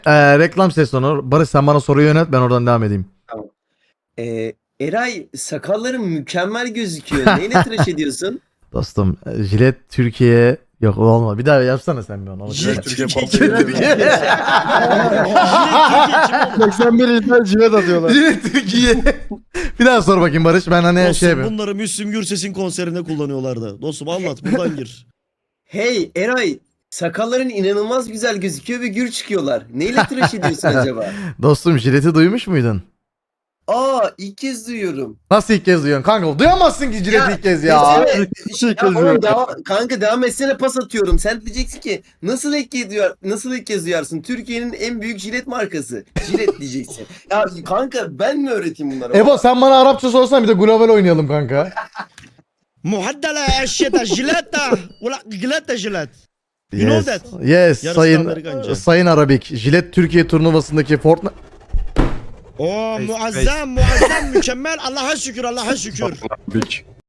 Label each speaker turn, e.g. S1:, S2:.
S1: Reklam sesonu. Barış sen bana soruyu yönet, ben oradan devam edeyim.
S2: Tamam. Eray sakalların mükemmel gözüküyor. Neyle tıraş ediyorsun?
S1: Dostum jilet Türkiye yok olmadı. Bir daha yapsana sen bir onu.
S3: Jilet Türkiye
S1: Jilet Türkiye.
S3: 81 insan civet atıyorlar.
S1: Jilet Türkiye. Bir daha sor bakayım Barış, ben hani
S4: Dostum
S1: şey yapayım.
S4: bunları Müslüm Gürses'in konserinde kullanıyorlardı. Dostum anlat buradan gir.
S2: Hey Eray sakalların inanılmaz güzel gözüküyor ve gür çıkıyorlar. Neyle tıraş ediyorsun acaba?
S1: Dostum jileti duymuş muydun?
S2: Aa ilk kez duyuyorum.
S1: Nasıl ilk kez duyuyorsun kanka? Duyamazsın ki jileti
S2: Ya,
S1: ilk kez ya.
S2: Kanka devam etsene, pas atıyorum. Sen diyeceksin ki nasıl ilk kez duyarsın? Türkiye'nin en büyük jilet markası. Jilet diyeceksin. Ya kanka ben mi öğreteyim bunları?
S1: Ebo sen bana Arapça sorsan bir de global oynayalım kanka.
S4: Muhaddala eşyeta jileta. Ula jileta jilet. You know
S1: Yes.
S4: that.
S1: Yes.
S4: Yarısı
S1: Sayın
S4: Amerikanca.
S1: Sayın Arabik. Jilet Türkiye turnuvasındaki Fortnite.
S4: Oo muazzam mükemmel Allah'a şükür.